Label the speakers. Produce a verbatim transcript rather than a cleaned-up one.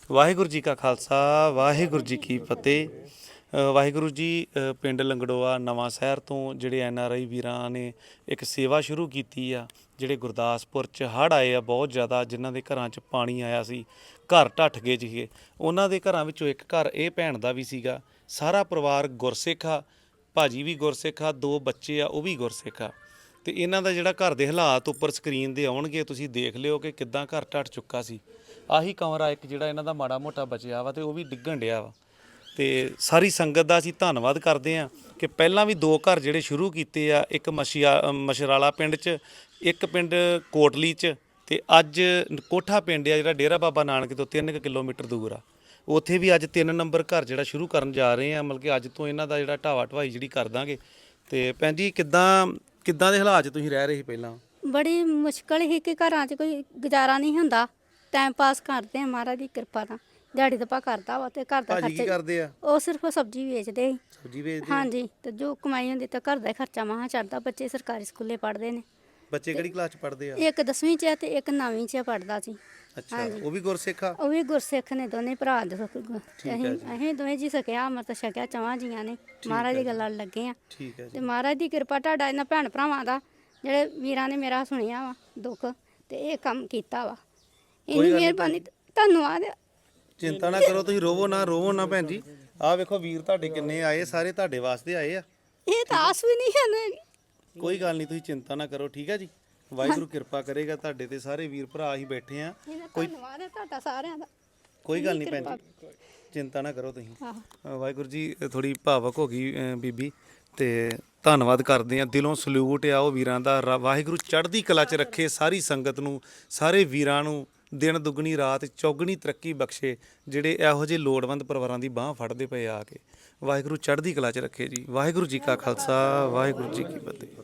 Speaker 1: ਵਾਹਿਗੁਰੂ ਜੀ ਕਾ ਖਾਲਸਾ ਵਾਹਿਗੁਰੂ ਜੀ ਕੀ ਫਤਿਹ। ਅ, ਵਾਹਿਗੁਰੂ ਜੀ, ਅ, ਪਿੰਡ ਲੰਗੜੋਆ ਨਵਾਂ ਸ਼ਹਿਰ ਤੋਂ ਜਿਹੜੇ ਐਨ ਆਰ ਆਈ ਵੀਰਾਂ ਨੇ ਇੱਕ ਸੇਵਾ ਸ਼ੁਰੂ ਕੀਤੀ ਆ। ਜਿਹੜੇ ਗੁਰਦਾਸਪੁਰ 'ਚ ਹੜ੍ਹ ਆਏ ਆ ਬਹੁਤ ਜ਼ਿਆਦਾ, ਜਿਨ੍ਹਾਂ ਦੇ ਘਰਾਂ 'ਚ ਪਾਣੀ ਆਇਆ ਸੀ, ਘਰ ਢੱਠ ਗਏ ਸੀਗੇ। ਉਹਨਾਂ ਦੇ ਘਰਾਂ ਵਿੱਚੋਂ ਇੱਕ ਘਰ ਇਹ ਭੈਣ ਦਾ ਵੀ ਸੀਗਾ। ਸਾਰਾ ਪਰਿਵਾਰ ਗੁਰਸਿੱਖ ਆ, ਭਾਜੀ ਵੀ ਗੁਰਸਿੱਖ ਆ, ਦੋ ਬੱਚੇ ਆ ਉਹ ਵੀ ਗੁਰਸਿੱਖ ਆ। ਤੇ ਇਹਨਾਂ ਦਾ ਜਿਹੜਾ ਘਰ ਦੇ ਹਾਲਾਤ ਉੱਪਰ ਸਕਰੀਨ ਦੇ ਆਉਣਗੇ, ਤੁਸੀਂ ਦੇਖ ਲਿਓ ਕਿ ਕਿੱਦਾਂ ਘਰ ਢੱਠ ਚੁੱਕਾ ਸੀ। ਆਹੀ ਕਮਰਾ ਇੱਕ ਜਿਹੜਾ ਇਹਨਾਂ ਦਾ ਮਾੜਾ ਮੋਟਾ ਬਚਿਆ ਵਾ ਤੇ ਉਹ ਵੀ ਡਿੱਗਣ ਡਿਆ ਵਾ। ਤੇ ਸਾਰੀ ਸੰਗਤ ਦਾ ਅਸੀਂ ਧੰਨਵਾਦ ਕਰਦੇ ਹਾਂ ਕਿ ਪਹਿਲਾਂ ਵੀ ਦੋ ਘਰ ਜਿਹੜੇ ਸ਼ੁਰੂ ਕੀਤੇ ਆ, ਇੱਕ ਮਸ਼ੀਆ ਮਸ਼ਰਾਲਾ ਪਿੰਡ 'ਚ, ਇੱਕ ਪਿੰਡ ਕੋਟਲੀ 'ਚ, ਤੇ ਅੱਜ ਕੋਠਾ ਪਿੰਡ ਆ ਜਿਹੜਾ ਡੇਰਾ ਬਾਬਾ ਨਾਨਕ ਤੋਂ ਤਿੰਨ ਕੁ ਕਿਲੋਮੀਟਰ ਦੂਰ ਆ। ਉੱਥੇ ਵੀ ਅੱਜ ਤਿੰਨ ਨੰਬਰ ਘਰ ਜਿਹੜਾ ਸ਼ੁਰੂ ਕਰਨ ਜਾ ਰਹੇ ਆ। ਮਤਲਬ ਕਿ ਅੱਜ ਤੋਂ ਇਹਨਾਂ ਦਾ ਜਿਹੜਾ ਢਾਵਾ ਢਵਾਈ ਜਿਹੜੀ ਕਰ ਦਾਂਗੇ। ਤੇ ਭੈਣ ਜੀ, ਕਿੱਦਾਂ ਕਿੱਦਾਂ ਦੇ ਹਾਲਾਤ 'ਚ ਤੁਸੀਂ ਰਹਿ ਰਹੇ ਸੀ ਪਹਿਲਾਂ?
Speaker 2: ਬੜੀ ਮੁਸ਼ਕਲ ਹੀ ਕਿ ਘਰਾਂ 'ਚ ਕੋਈ ਗੁਜ਼ਾਰਾ ਨਹੀਂ ਹੁੰਦਾ। ਟਾਈਮ ਪਾਸ ਕਰਦੇ ਆ ਮਹਾਰਾਜ ਦੀ ਕਿਰਪਾ ਨਾਲ। ਦਿਹਾੜੀ ਦੱਪਾ ਕਰਦਾ ਵਾ ਤੇ ਘਰ ਦਾ
Speaker 1: ਭਾਜੀ ਕੀ
Speaker 2: ਖਰਚਾ
Speaker 1: ਕਰਦੇ ਆ?
Speaker 2: ਉਹ ਸਿਰਫ ਸਬਜ਼ੀ ਵੇਚਦੇ ਸੀ।
Speaker 1: ਸਬਜ਼ੀ ਵੇਚਦੇ ਆ?
Speaker 2: ਹਾਂਜੀ, ਤੇ ਜੋ ਕਮਾਈ ਹੁੰਦੀ ਤਾਂ ਘਰ ਦਾ ਹੀ ਖਰਚਾ ਮਹਾ ਚੜਦਾ। ਬੱਚੇ ਸਰਕਾਰੀ ਸਕੂਲੇ ਪੜ੍ਹਦੇ ਨੇ।
Speaker 1: ਬੱਚੇ ਕਿਹੜੀ ਕਲਾਸ 'ਚ ਪੜ੍ਹਦੇ ਆ?
Speaker 2: ਇੱਕ ਦਸਵੀਂ 'ਚ ਹੈ ਤੇ ਇੱਕ ਨੌਵੀਂ 'ਚ ਪੜ੍ਹਦਾ ਸੀ।
Speaker 1: ਅੱਛਾ, ਉਹ ਵੀ ਗੁਰਸਿੱਖ ਆ?
Speaker 2: ਉਹ ਵੀ ਗੁਰਸਿੱਖ ਨੇ, ਦੋਨੇ ਭਰਾ ਦੇ ਸੁੱਖ-
Speaker 1: ਠੀਕ ਹੈ
Speaker 2: ਅਸੀਂ
Speaker 1: ਜੀ।
Speaker 2: ਅਸੀਂ ਦੋਵੇਂ ਜੀ ਸਕਿਆ ਅੰਮ੍ਰਿਤ ਛਕਿਆ, ਚਵਾਂ ਜੀਆਂ ਨੇ। ਮਹਾਰਾਜ ਦੀ ਗੱਲਾਂ ਲੱਗੇ ਆ
Speaker 1: ਠੀਕ ਹੈ ਜੀ।
Speaker 2: ਤੇ ਮਹਾਰਾਜ ਦੀ ਕਿਰਪਾ ਤੁਹਾਡਾ ਇਹਨਾਂ ਭੈਣ ਭਰਾਵਾਂ ਦਾ, ਜਿਹੜੇ ਵੀਰਾਂ ਨੇ ਮੇਰਾ ਸੁਣਿਆ ਵਾ ਦੁੱਖ ਤੇ ਇਹ ਕੰਮ ਕੀਤਾ ਵਾ। ਇੰਨੀ ਮਿਹਰਬਾਨੀ, ਧੰਨਵਾਦ।
Speaker 1: ਚਿੰਤਾ ਨਾ ਕਰੋ, ਤੁਸੀਂ ਰੋਵੋ ਨਾ, ਰੋਵੋ ਨਾ ਭੈਣ ਜੀ। ਆਹ ਵੇਖੋ ਵੀਰ ਤੁਹਾਡੇ ਕਿੰਨੇ ਆਏ, ਸਾਰੇ ਤੁਹਾਡੇ ਵਾਸਤੇ ਆਏ ਆ।
Speaker 2: ਇਹ ਤਾਂ ਆਸ ਵੀ ਨਹੀਂ ਹੈ।
Speaker 1: ਕੋਈ ਗੱਲ ਨਹੀਂ, ਤੁਸੀਂ ਚਿੰਤਾ ਨਾ ਕਰੋ, ਠੀਕ ਹੈ ਜੀ। ਵਾਹਿਗੁਰੂ ਕਿਰਪਾ ਕਰੇਗਾ ਤੁਹਾਡੇ ਤੇ। ਸਾਰੇ ਵੀਰ ਭਰਾ ਹੀ ਬੈਠੇ ਆ।
Speaker 2: ਕੋਈ ਧੰਨਵਾਦ ਹੈ ਤੁਹਾਡਾ ਸਾਰਿਆਂ ਦਾ।
Speaker 1: ਕੋਈ ਗੱਲ ਨਹੀਂ ਭੈਣ ਜੀ, ਚਿੰਤਾ ਨਾ ਕਰੋ ਤੁਸੀਂ।
Speaker 2: ਆਹੋ।
Speaker 1: ਅ, ਵਾਹਿਗੁਰੂ ਜੀ, ਥੋੜੀ ਭਾਵਕ ਹੋ ਗਈ ਅ, ਬੀਬੀ। ਤੇ ਧੰਨਵਾਦ ਕਰਦੇ ਆ, ਦਿਲੋਂ ਸਲੂਟ ਆ ਉਹ ਵੀਰਾਂ ਦਾ। ਰ- ਵਾਹਿਗੁਰੂ ਚੜ੍ਹਦੀ ਕਲਾ 'ਚ ਰੱਖੇ ਸਾਰੀ ਸੰਗਤ ਨੂੰ, ਸਾਰੇ ਵੀਰਾਂ ਨੂੰ ਦਿਨ ਦੁੱਗਣੀ ਰਾਤ ਚੌਗਣੀ ਤਰੱਕੀ ਬਖਸ਼ੇ, ਜਿਹੜੇ ਇਹੋ ਜਿਹੇ ਲੋੜਵੰਦ ਪਰਿਵਾਰਾਂ ਦੀ ਬਾਹ ਫੜਦੇ ਪਏ ਆ ਕੇ। ਵਾਹਿਗੁਰੂ ਚੜ੍ਹਦੀ ਕਲਾ 'ਚ ਰੱਖੇ ਜੀ। ਵਾਹਿਗੁਰੂ ਜੀ ਕਾ ਖਾਲਸਾ ਵਾਹਿਗੁਰੂ ਜੀ ਕੀ ਫਤਿਹ।